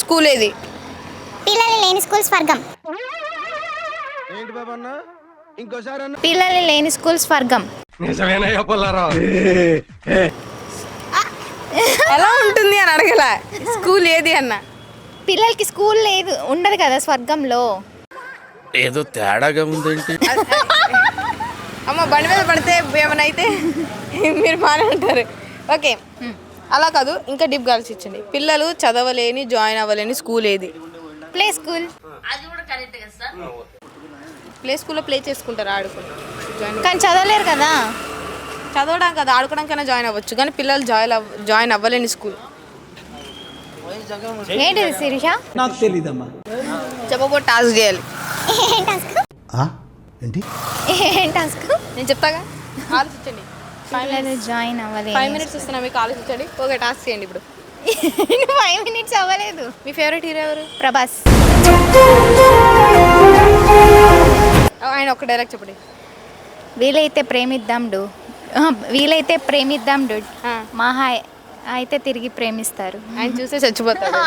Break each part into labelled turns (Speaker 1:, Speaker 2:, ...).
Speaker 1: School ఏది?
Speaker 2: పిల్లలు లేని స్కూల్ స్వర్గం.
Speaker 3: పిల్లలు లేని స్కూల్ స్వర్గం.
Speaker 1: ఎలా ఉంటుంది అని అడగల, స్కూల్ ఏది అన్న.
Speaker 3: పిల్లలకి స్కూల్ లేదు, ఉండదు కదా స్వర్గంలో.
Speaker 4: ఏదో తేడాగా ఉందేంటి?
Speaker 1: అమ్మ బండి మీద పడితే ఏమైనా అయితే మీరు బాగానే ఉంటారు. ఓకే, అలా కాదు, ఇంకా డీప్ ఆలోచించండి. పిల్లలు చదవలేని జాయిన్ అవ్వలేని స్కూల్ ఏది?
Speaker 3: Play school.
Speaker 1: ప్లే స్కూల్లో ప్లే చేసుకుంటారు, ఆడుకుంటారు,
Speaker 3: కానీ చదవలేరు కదా.
Speaker 1: చదవడం కదా, ఆడుకోవడానికైనా జాయిన్ అవ్వచ్చు, కానీ పిల్లలు జాయిన్ అవ్వలేని స్కూల్
Speaker 3: ఏంటిది శిరీష?
Speaker 5: నాకు తెలీదమ్మా.
Speaker 1: చెప్పబో టాస్క్ చేయాలి.
Speaker 2: ఏం టాస్క్?
Speaker 5: ఏంటి
Speaker 3: ఏం టాస్క్?
Speaker 1: నేను చెప్తాగా, ఆలోచించండి.
Speaker 3: పిల్లలు జాయిన్ అవ్వలేదు.
Speaker 1: 5 minutes ఇస్తున్నా మీకు, ఆలోచించండి. ఓకే, టాస్క్ చేయండి ఇప్పుడు.
Speaker 3: 5 minutes అవ్వలేదు.
Speaker 1: మీ ఫేవరెట్ హీరో ఎవరు?
Speaker 3: ప్రభాస్.
Speaker 1: ఆయన ఒక డైలాగ్ చెప్పండి.
Speaker 3: వీలైతే ప్రేమిద్దాం డూడ్. మహా అయితే తిరిగి ప్రేమిస్తారు.
Speaker 1: ఆయన చూస్తే చచ్చిపోతాడు.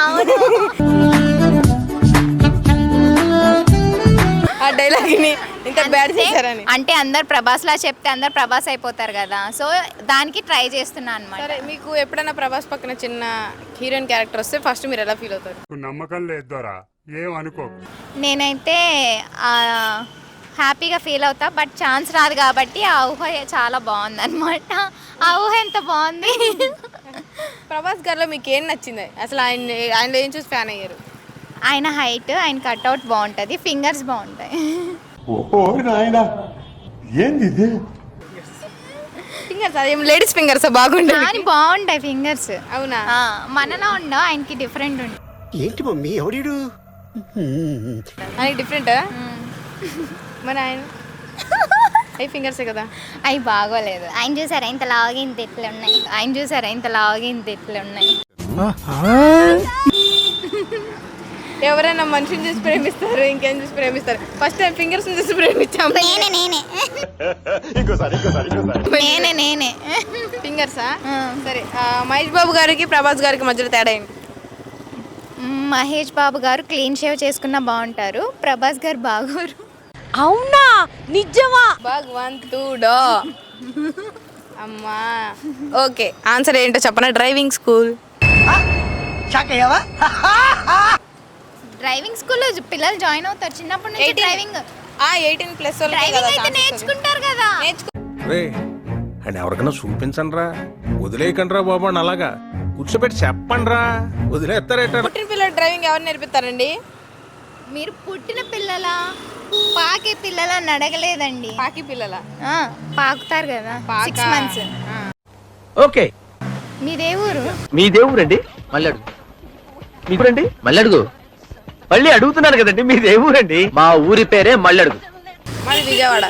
Speaker 1: ఆ డైలాగ్ని ఇంత బ్యాడ్ చేశారని.
Speaker 3: అంటే అందరు ప్రభాస్లా చెప్తే అందరు ప్రభాస్ అయిపోతారు కదా, సో దానికి ట్రై చేస్తున్నా అనమాట.
Speaker 1: సరే, మీకు ఎప్పుడైనా ప్రభాస్ పక్కన చిన్న హీరోయిన్ క్యారెక్టర్ వస్తే ఫస్ట్ మీరు ఎలా ఫీల్ అవుతారు?
Speaker 6: నమ్మకం లేదు, ఏం అనుకో.
Speaker 3: నేనైతే హ్యాపీగా ఫీల్ అవుతా, బట్ ఛాన్స్ రాదు కాబట్టి ఆ ఊహ చాలా బాగుంది అనమాట. ఆ ఊహ ఎంత బాగుంది.
Speaker 1: ప్రభాస్ గారిలో మీకు ఏం నచ్చింది అసలు? ఆయనలో ఏం చూసి ఫ్యాన్ అయ్యారు?
Speaker 3: ఆయన హైట్, ఆయన కట్అవుట్ బాగుంటుంది, ఫింగర్స్ బాగుంటాయి.
Speaker 1: ఫింగర్స్ అదేం లేడీస్ ఫింగర్స్ బాగుంటాయి,
Speaker 3: కానీ బాగుంటాయి ఫింగర్స్.
Speaker 1: అవునా?
Speaker 3: మనలో ఉండవు, ఆయనకి డిఫరెంట్ ఉంటుంది.
Speaker 5: ఏంటి మమ్మీ ఎవడీడు?
Speaker 1: ఆయనకి డిఫరెంటా? మరి ఆయన అవి ఫింగర్సే కదా.
Speaker 3: అవి బాగోలేదు. ఆయన చూసారా ఇంత లాగి ఇంత ఎట్లు ఉన్నాయి.
Speaker 1: ఎవరైనా మనిషిని చూసి ప్రేమిస్తారు, ఇంకేం చూసి ప్రేమిస్తారు? ఫస్ట్ టైం ఫింగర్స్ చూసి ప్రేమించాము.
Speaker 3: నేనే
Speaker 1: ఫింగర్సా? సరే, మహేష్ బాబు గారికి ప్రభాస్ గారికి మధ్యలో తేడా ఏంటి?
Speaker 3: మహేష్ బాబు గారు క్లీన్ షేవ్ చేసుకున్నా బాగుంటారు, ప్రభాస్ గారు బాగోరు.
Speaker 1: అవునా? నిజమా? భగవంతుడో అమ్మా. ఓకే, ఆన్సర్ ఏంటో చెప్పనా? Driving school.
Speaker 3: డ్రైవింగ్ స్కూల్లో పిల్లలు జాయిన్ అవుతారు చిన్నప్పటి నుంచి.
Speaker 1: 18+
Speaker 3: డ్రైవింగ్ అయితే నేర్చుకుంటారు కదా.
Speaker 4: అండ్ ఎవరికైనా చూపించండి రా, వదిలేయకండి రా బాబు అని అలాగా కూర్చోబెట్టి చెప్పండి రా, వదిలేస్తారేట.
Speaker 1: పుట్టిన పిల్లలు డ్రైవింగ్ ఎవరు నేర్పిస్తారండి?
Speaker 3: మీరు పుట్టిన పిల్లల పాకే పిల్లలని అడగలేదండి.
Speaker 1: పాకి పిల్లల
Speaker 3: పాకుతారు కదా 6 months.
Speaker 7: ఓకే,
Speaker 3: మీదే ఊరు?
Speaker 7: మీదే ఊరండి? మళ్ళీ అడుగు. మీరండి మళ్ళడుగు. మళ్ళీ అడుగుతున్నాను కదండి, మీదే ఊరండి? మా ఊరి పేరే మళ్ళడుగు.
Speaker 1: మాది విజయవాడ.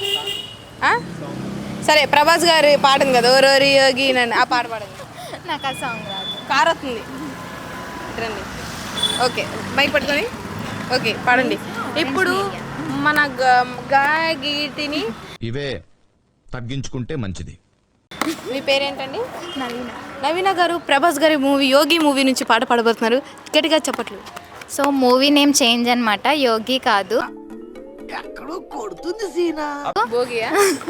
Speaker 1: సరే, ప్రభాస్ గారి పాట ఉంది కదా, ఓరోరి యోగి నన్ను, ఆ పాట పాడండి.
Speaker 3: నాకు ఆ సాంగ్ రాదు.
Speaker 1: కార్ వస్తుంది రండి. ఓకే, బైక్ పట్టుకొని ఓకే పాడండి. ఇప్పుడు మన గీతిని
Speaker 8: ఇవే తగ్గించుకుంటే మంచిది.
Speaker 1: మీ పేరేంటండి?
Speaker 3: నవీన.
Speaker 1: నవీన గారు ప్రభాస్ గారి యోగి మూవీ నుంచి పాట పాడబోతున్నారు, గట్టిగా చెప్పట్లు.
Speaker 3: సో మూవీ నేమ్ చేంజ్ అనమాట, యోగి కాదు.
Speaker 1: భోగియా?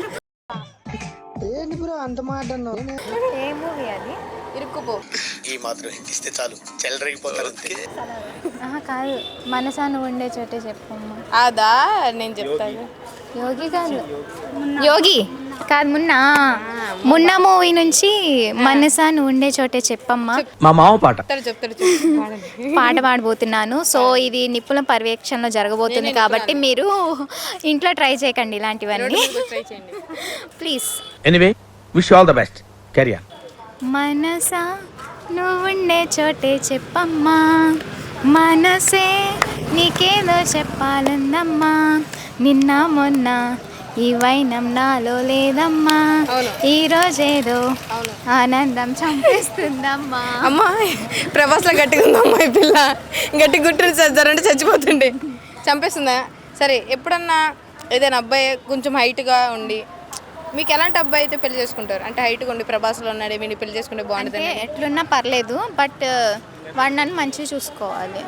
Speaker 3: ఏ మూవీ అది?
Speaker 1: ఇరుక్కుపో.
Speaker 5: ఈ మాత్రం ఇస్తే చాలు, చెల్లరగిపోతారు.
Speaker 3: కాదు, మనసా నువ్వు ఉండే చోటే చెప్పమ్మా.
Speaker 1: అదా? నేను చెప్తాను.
Speaker 3: యోగి కాదు, యోగి కాదు, మున్న మూవీ నుంచి మనసా నువ్వు ఉండే చోటే చెప్పమ్మా.
Speaker 7: మా మామ పాట
Speaker 1: చెప్తారు
Speaker 3: పాట పాడబోతున్నాను. సో ఇది నిపుణ పర్యవేక్షణలో జరగబోతుంది కాబట్టి మీరు ఇంట్లో ట్రై చేయకండి ఇలాంటివన్నీ, please.
Speaker 7: Anyway, wish all the best. Carry on.
Speaker 3: మనసా నువ్వుండే చోటే చెప్పమ్మా, మనసే నీకేదో చెప్పాలందమ్మా, నిన్న మొన్న ఈ వైనం నాలో లేదమ్మా, ఈ రోజేదో ఆనందం చంపేస్తుందమ్మా.
Speaker 1: అమ్మా, ప్రభాస్లో గట్టిగా ఉందమ్మా ఈ పిల్ల, గట్టి గుట్టుని చచ్చారంటే చచ్చిపోతుండే, చంపేస్తుందా? సరే, ఎప్పుడన్నా ఏదైనా అబ్బాయి కొంచెం హైట్గా ఉండి, మీకు ఎలాంటి అబ్బాయి అయితే పెళ్లి చేసుకుంటారు? అంటే హైట్గా ఉండి ప్రభాస్లో ఉన్నాడు, వీడిని పెళ్లి చేసుకుంటే బాగుంటుంది.
Speaker 3: ఎట్లున్నా పర్లేదు, బట్ వాడు నన్ను మంచిగా చూసుకోవాలి.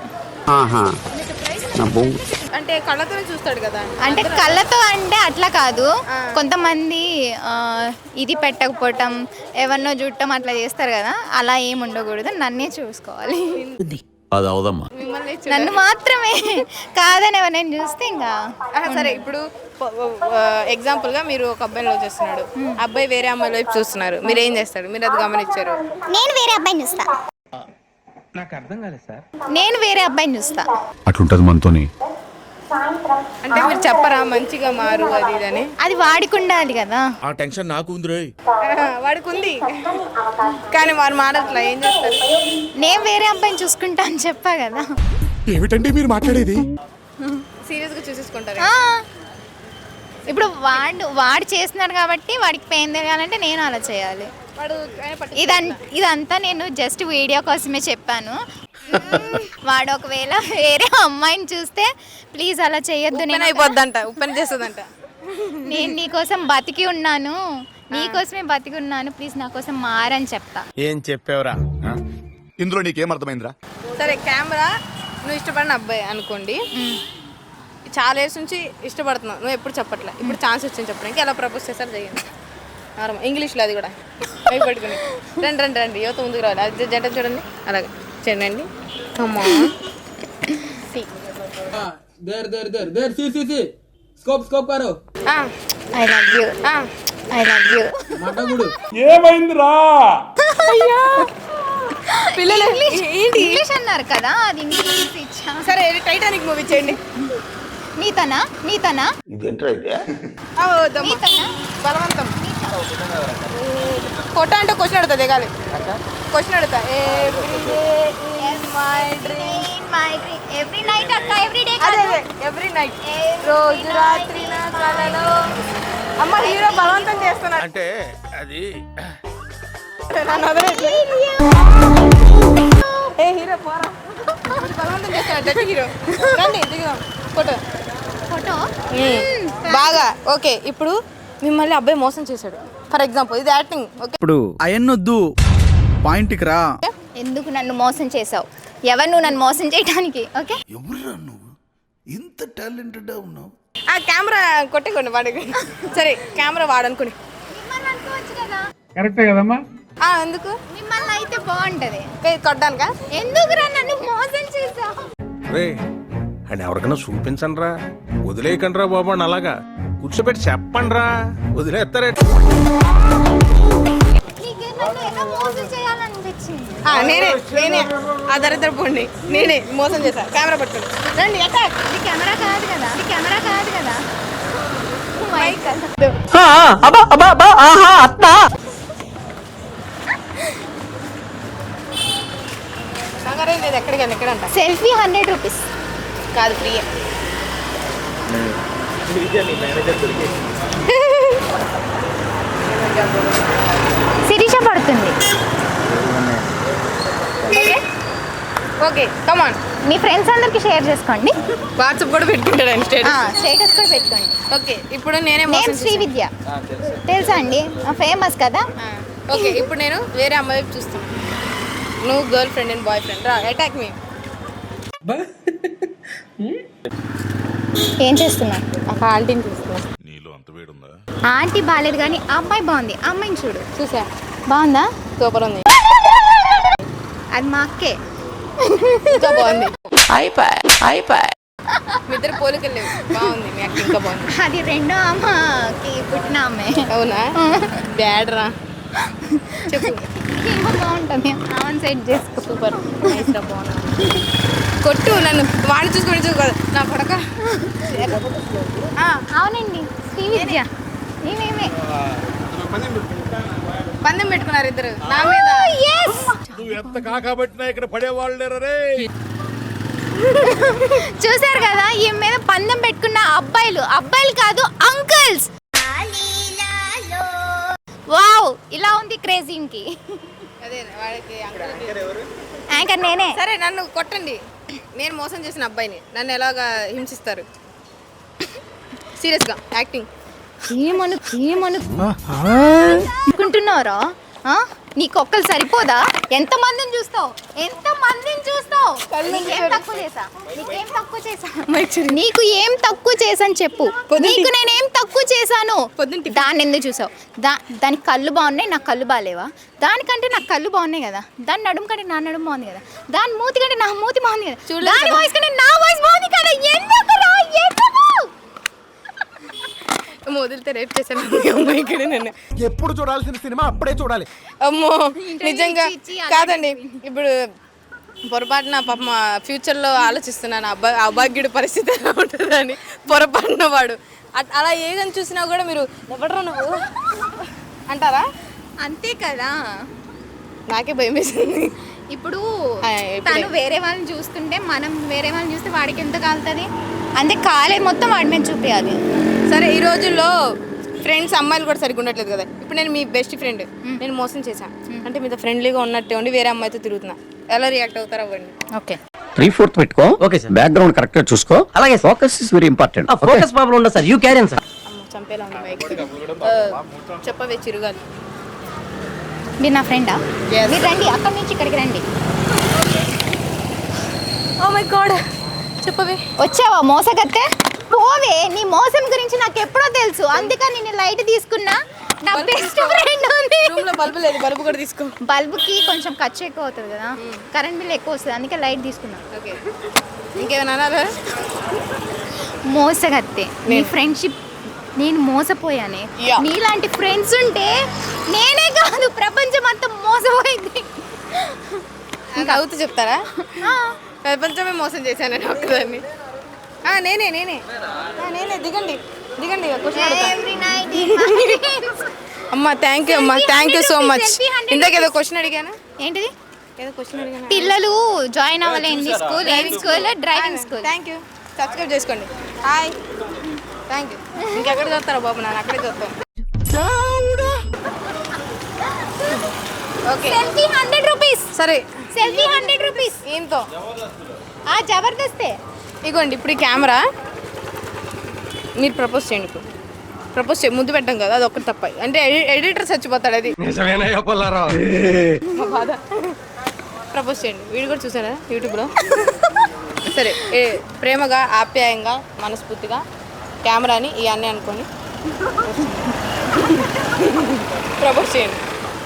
Speaker 1: అంటే కళ్ళతో చూస్తాడు కదా.
Speaker 3: అంటే కళ్ళతో అంటే అట్లా కాదు, కొంతమంది ఇది పెట్టకపోవటం, ఎవరినో చూడటం అట్లా చేస్తారు కదా, అలా ఏమి ఉండకూడదు. నన్నే చూసుకోవాలి,
Speaker 8: అది అవదమ్మా.
Speaker 1: మిమ్మల్ని
Speaker 3: నన్ను మాత్రమే కాదని ఎవరైనా చూస్తే ఇంకా.
Speaker 1: సరే ఇప్పుడు ఎగ్జాంపుల్ గా మీరు ఒక అబ్బాయిని లవ్ చేస్తున్నాడు, అబ్బాయి వేరే అమ్మాయి వైపు చూస్తున్నారు, మీరు ఏం చేస్తారు? మీరు అది గమనించారు.
Speaker 2: నేను వేరే అబ్బాయిని చూస్తా.
Speaker 3: నేను వేరే అబ్బాయిని చూస్తా.
Speaker 8: అట్లుంటది మనతోని.
Speaker 1: అంటే మీరు చెప్పరా మంచిగా మారు అది ఇదని?
Speaker 3: అది వాడికి ఉండాలి కదా.
Speaker 8: ఆ టెన్షన్ నాకు ఉంది.
Speaker 1: వాడికి ఉంది కానీ వారు మారట్లా, ఏం చేస్తారు?
Speaker 3: నేను వేరే అబ్బాయిని చూసుకుంటా అని చెప్పా కదా.
Speaker 8: ఏమిటండి మీరు మాట్లాడేది?
Speaker 1: సీరియస్ గా చూసేసుకుంటారు.
Speaker 3: ఇప్పుడు వాడు చేస్తున్నాడు కాబట్టి వాడికి పెయిన్ తెలియాలంటే నేను అలా చేయాలి.
Speaker 1: వాడు
Speaker 3: ఇదంతా నేను జస్ట్ వీడియో కోసమే చెప్పాను. వాడు ఒకవేళ వేరే అమ్మాయిని చూస్తే ప్లీజ్ అలా చేయొద్దు. నేను
Speaker 1: అయిపోద్దంట, ఉప్పని చేస్తుందంట.
Speaker 3: నేను నీకోసం బతికి ఉన్నాను, నీకోసమే బతికి ఉన్నాను, ప్లీజ్ నా కోసం మారని చెప్తా.
Speaker 4: ఏం చెప్పావురా?
Speaker 8: ఇందులో నీకేం అర్థమైందిరా?
Speaker 1: సరే కెమెరా, నువ్వు ఇష్టపడిన అబ్బాయి అనుకోండి, చాలా ఏళ్ళ నుంచి ఇష్టపడుతున్నావు, నువ్వు ఎప్పుడు చెప్పట్లే, ఇప్పుడు ఛాన్స్ వచ్చింది చెప్పడానికి, ఎలా ప్రపోజ్ చేస్తారు చేయండి. ఇంగ్లీష్లో అది కూడా భయపడుకుని. రండి రండి రండి, యువత ముందుకు రావాలి. అది జంట చూడండి, అలాగే చేయండి.
Speaker 3: I love you, I love you.
Speaker 6: ఏమైందిరా?
Speaker 1: పిల్లలు ఏంటి
Speaker 3: ఇంగ్లీష్ అన్నారు కదా, అది ఇంగ్లీష్ ఇచ్చా.
Speaker 1: సరే టైటానిక్ మూవీ చేయండి.
Speaker 3: నీతనా నీతనా
Speaker 1: బలవంతం. కొట్ట అంటే క్వశ్చన్ అడుగుతా, దిగాలి. క్వశ్చన్ అడుగుతా.
Speaker 3: ఎవ్రీ నైట్ అక్క, ఎవ్రీ డే
Speaker 1: ఎవ్రీ నైట్, రోజు రాత్రి నా కలలో. అమ్మ హీరో బలవంతం చేస్తున్నాడు
Speaker 4: అంటే అది
Speaker 1: నన్ను వదలట్లే. ఏ హీరో పోరా, బలవంతం చేస్తున్నాడు హీరో. రండి దిగుదాం ఫోటో.
Speaker 3: ఫోటో
Speaker 1: బాగా ఓకే. ఇప్పుడు మిమ్మల్ని అబ్బాయి మోసం చేశాడు ఫర్ ఎగ్జాంపుల్, ఇది యాక్టింగ్. ఓకే
Speaker 9: ఇప్పుడు అయన్నొద్దు, పాయింట్కి రా.
Speaker 3: ఎందుకు నన్ను మోసం చేసావు? ఎవరు నువ్వు నన్ను మోసం చేయడానికి? ఓకే,
Speaker 5: ఎవరురా నువ్వు ఇంత టాలెంటెడ్ ఉన్నావు?
Speaker 1: ఆ కెమెరా కొట్టేకోండి వాడికి. సరే కెమెరా వాడనుకోండి.
Speaker 3: మిమ్మల్ని అనుకోవచ్చు కదా.
Speaker 6: కరెక్టే కదమ్మా?
Speaker 1: ఎందుకు
Speaker 3: మిమ్మల్ని అయితే బాగుంటది.
Speaker 1: కొట్టడానికా?
Speaker 3: ఎందుకురా నన్ను మోసం చేసావు?
Speaker 4: రే అండ్ ఎవరికైనా చూపించండి రా, వదిలేయకండి రా బాబు అని అలాగా కూర్చోబెట్టి చెప్పండి రా, వదిలేస్తారే.
Speaker 3: నీకు నన్ను ఎలా మోసం చేయాలనిపించింది?
Speaker 1: నేనే ఆ దరిద్ర పోండి, నేనే మోసం చేశా. కెమెరా పట్టుకోండి, రండి అటాక్.
Speaker 3: ఇది కెమెరా కాదు కదా, ఇది కెమెరా కాదు కదా.
Speaker 1: కంగారేం లేదు, ఎక్కడికి ఎక్కడంట.
Speaker 3: సెల్ఫీ 100 రూపీస్
Speaker 1: కాదు, ఫ్రీ.
Speaker 3: శిరీష పడుతుంది.
Speaker 1: Okay come on.
Speaker 3: మీ ఫ్రెండ్స్ అందరికి షేర్ చేసుకోండి.
Speaker 1: వాట్సాప్ కూడా పెట్టుకుంటాడు
Speaker 3: స్టేటస్ కూడా పెట్టుకోండి.
Speaker 1: ఓకే ఇప్పుడు నేనే
Speaker 3: నేమ్ శ్రీవిద్య, తెలుసా అండి, ఫేమస్ కదా.
Speaker 1: ఓకే ఇప్పుడు నేను వేరే అమ్మాయి వైపు చూస్తాను, నువ్వు girlfriend and boyfriend రా, అటాక్ మీ.
Speaker 3: ఏం చేస్తున్నా?
Speaker 1: ఒక ఆంటీని చూస్తున్నా.
Speaker 3: ఆంటీ బాగాలేదు కానీ ఆ అమ్మాయి బాగుంది, ఆ అమ్మాయిని చూడు.
Speaker 1: చూసా,
Speaker 3: బాగుందా?
Speaker 1: సూపర్ ఉంది.
Speaker 3: అది మా అక్కే,
Speaker 1: ఇంకా బాగుంది. మీ ఇద్దరు పోలికలు లేవు, బాగుంది మీ అక్క, ఇంకా బాగుంది.
Speaker 3: అది రెండో అమ్మకి పుట్టిన అమ్మాయి.
Speaker 1: అవునా? బ్యాడ్ రా, చెప్పు.
Speaker 3: ఏమో బాగుంటుంది, ఆమెను సెట్ చేసుకో.
Speaker 1: సూపర్ నైస్ రా, బాగున్నా. కొట్టు నన్ను, వాడిని చూసుకొని చూసుకోదు నా పడక.
Speaker 3: అవునండి శ్రీవిద్య, నేనేమే
Speaker 1: పందెం పెట్టుకున్నారు ఇద్దరు నా మీద.
Speaker 8: నువ్వు ఎంత కాకబట్టినా ఇక్కడ పడేవాళ్ళు రే.
Speaker 3: చూసారు కదా, ఈ మీద పందెం పెట్టుకున్న అబ్బాయిలు కాదు, అంకుల్స్. వావ్, ఇలా ఉంది క్రేజింగ్కి.
Speaker 1: అదే వాడికి
Speaker 3: యాంకర్ నేనే.
Speaker 1: సరే నన్ను కొట్టండి, నేను మోసం చేసిన అబ్బాయిని నన్ను ఎలాగా హింసిస్తారు? సీరియస్గా యాక్టింగ్.
Speaker 3: ఏమనుకుంటున్నారా? నీకు ఒక్కరు సరిపోదా? ఎంత మందిని చూస్తావు? నీకేం తక్కువ చేసా? నీకు ఏం తక్కువ చేశాను చెప్పు. నీకు నేనేం తక్కువ చేశాను? దాన్ని ఎందుకు చూసావు? దాని కళ్ళు బాగున్నాయి, నాకు కళ్ళు బాగాలేవా? దానికంటే నాకు కళ్ళు బాగున్నాయి కదా, దాని నడుము కంటే నా నడుము బాగుంది కదా, దాని మూతి కంటే నా మూతి బాగుంది కదా, దాని వాయిస్ కంటే నా వాయిస్ బాగుంది కదా. ఎందుకు
Speaker 1: వదిలితే రేపు చేశాను అమ్మాయి ఇక్కడ నన్ను.
Speaker 8: ఎప్పుడు చూడాల్సిన సినిమా అప్పుడే చూడాలి.
Speaker 1: అమ్మో నిజంగా కాదండి. ఇప్పుడు పొరపాటున పాప ఫ్యూచర్లో ఆలోచిస్తున్నాను అభాగ్యుడి పరిస్థితి ఎలా ఉంటుందని. పొరపాటున వాడు అలా ఏదని చూసినా కూడా మీరు ఎవడరా నువ్వు అంటారా?
Speaker 3: అంతే కదా.
Speaker 1: నాకే భయం వేసింది.
Speaker 3: ఇప్పుడు తను వేరే వాళ్ళని చూస్తుంటే మనం వేరే వాళ్ళని చూస్తే వాడికి ఎంత కాలుతుంది? అంతే కాలేదు మొత్తం వాడి మీద చూపించాలి.
Speaker 1: సరే ఈ రోజుల్లో ఫ్రెండ్స్ అమ్మాయిలు కూడా సరిగ్గా ఉండట్లేదు కదా. ఇప్పుడు నేను మీ బెస్ట్ ఫ్రెండ్, నేను మోసం చేశాను అంటే మీతో ఫ్రెండ్లీగా ఉన్నట్టే ఉండి వేరే అమ్మాయితో తిరుగుతున్నా, ఎలా రియాక్ట్ అవుతారు అవ్వండి.
Speaker 3: ఓకే
Speaker 7: 3/4 పెట్టుకో. Okay sir. బ్యాక్గ్రౌండ్ కరెక్ట్ గా చూసుకో. అలాగే focus is very important. Focus problem ఉండదు sir, you carry on sir.
Speaker 1: అమ్మ చంపేలా ఉంది మైక్. చెప్పవే చిరుగాలి.
Speaker 3: మీరు నా ఫ్రెండా?
Speaker 1: Yes.
Speaker 3: మీరు రండి, అక్కడి నుంచి ఇక్కడికి రండి.
Speaker 1: ఓ మై గాడ్ చెప్పవే.
Speaker 3: వచ్చావా మోసగత్తే? పోవే, నీ మోసం గురించి నాకు ఎప్పుడో తెలుసు, అందుకని నేను లైట్ తీసుకున్నా. నా బెస్ట్ ఫ్రెండ్ ఉంది.
Speaker 1: రూమ్ లో బల్బు లేదు, బల్బు కూడా తీసుకో.
Speaker 3: బల్బుకి కొంచెం ఖర్చు ఎక్కువ అవుతుంది కదా, కరెంట్ బిల్ ఎక్కువ వస్తుంది, అందుకే లైట్ తీసుకున్నా.
Speaker 1: ఓకే ఇంకేమైనా అనాలా?
Speaker 3: మోసగత్తే నీ ఫ్రెండ్షిప్ నేను మోసపోయానే.
Speaker 1: Yeah.
Speaker 3: నీలాంటి ఫ్రెండ్స్ ఉంటే నేనే కాదు ప్రపంచం అంతా మోసపోయింది.
Speaker 1: ఇంకా అవుతూ చెప్తారా? ప్రపంచమే మోసం చేశానని ఒక్కదాన్ని. నేనే నేనే నేనే దిగండి దిగండి.
Speaker 3: Every night in my dreams.
Speaker 1: అమ్మ థ్యాంక్ యూ అమ్మ, థ్యాంక్ యూ సో మచ్. ఇందాక ఏదో క్వశ్చన్ అడిగాను.
Speaker 3: ఏంటిది?
Speaker 1: ఏదో క్వశ్చన్ అడిగాను.
Speaker 3: పిల్లలు జాయిన్ అవ్వలేని స్కూల్ ఏం school? Driving school.
Speaker 1: Thank you. Subscribe చేసుకోండి. Hi thank you. ఇంకెక్కడ చూస్తారా బాబు? నేను అక్కడే చూస్తాను. Okay
Speaker 3: selfie 100 rupees.
Speaker 1: సరే
Speaker 3: సెల్ఫీ 100 రూపీస్.
Speaker 1: ఏంతో
Speaker 3: జబర్దస్తే.
Speaker 1: ఇగోండి ఇప్పుడు ఈ కెమెరా మీరు ప్రపోజ్ చేయండి. ఇప్పుడు ప్రపోజ్ చేయ ముద్దు పెట్టాం కదా, అది ఒక్కటి తప్ప. అంటే ఎడిటర్ చచ్చిపోతాడు. అది మా బాధ. ప్రపోజ్ చేయండి. వీడియో కూడా చూసారా యూట్యూబ్లో? సరే ప్రేమగా ఆప్యాయంగా మనస్ఫూర్తిగా కెమెరాని ఇవన్నీ అనుకొని ప్రపోజ్ చేయండి.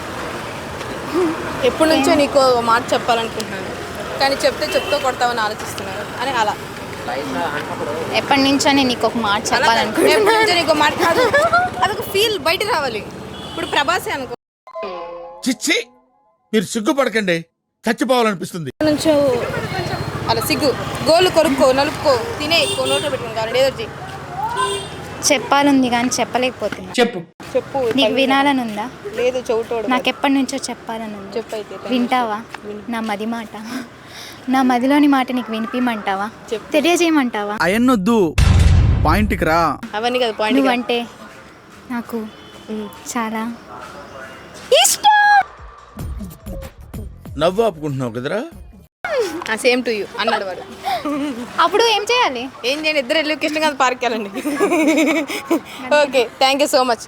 Speaker 1: ఎప్పటి నుంచో నీకు ఒక మాట చెప్పాలనుకుంటున్నాను, కానీ చెప్తూ కొడతామని ఆలోచిస్తున్నాను అని. అలా
Speaker 3: ఎప్పటి నుంచో నేను నీకు ఒక మాట
Speaker 1: ఎప్పటి
Speaker 3: చెప్పాలనుకుంటున్నాను.
Speaker 1: నుంచో నీకు మాట కాదు, అదొక ఫీల్ బయట రావాలి. ఇప్పుడు ప్రభాసే అనుకో.
Speaker 5: చిచ్చి మీరు సిగ్గుపడకండి, చచ్చిపోవాలనిపిస్తుంది.
Speaker 1: నుంచో అలా సిగ్గు గోలు కొరుక్కో నలుపుకో తినే ఎక్కువ నోట్లో పెట్టుకుని కావాలి ఏదో చెయ్యి.
Speaker 3: చెప్పాలుంది కానీ చెప్పలేకపోతున్నా.
Speaker 1: చెప్పు
Speaker 3: నీకు వినాలని ఉందా?
Speaker 1: లేదు చెవుటోడు.
Speaker 3: నాకు ఎప్పటి నుంచో చెప్పాలని ఉంది.
Speaker 1: చెప్పు అయితే.
Speaker 3: వింటావా? నా మది మాట, నా మదిలోని మాట నీకు వినిపిమంటావా? తెలియజేయమంటావా?
Speaker 9: అయన్నొద్దు, పాయింట్కి రా.
Speaker 1: అవన్నీ కదా పాయింట్.
Speaker 3: నువ్వంటే నాకు చాలా ఇష్టం.
Speaker 5: నవ్వు ఆపుకుంటున్నావు కదరా?
Speaker 1: సేమ్ టు యూ అన్నాడు వాడు.
Speaker 3: అప్పుడు ఏం చేయాలి?
Speaker 1: ఏం చేయండి, ఇద్దరు వెళ్ళి కృష్ణకాంత్ పార్క్ వెళ్ళండి. Okay thank you so much.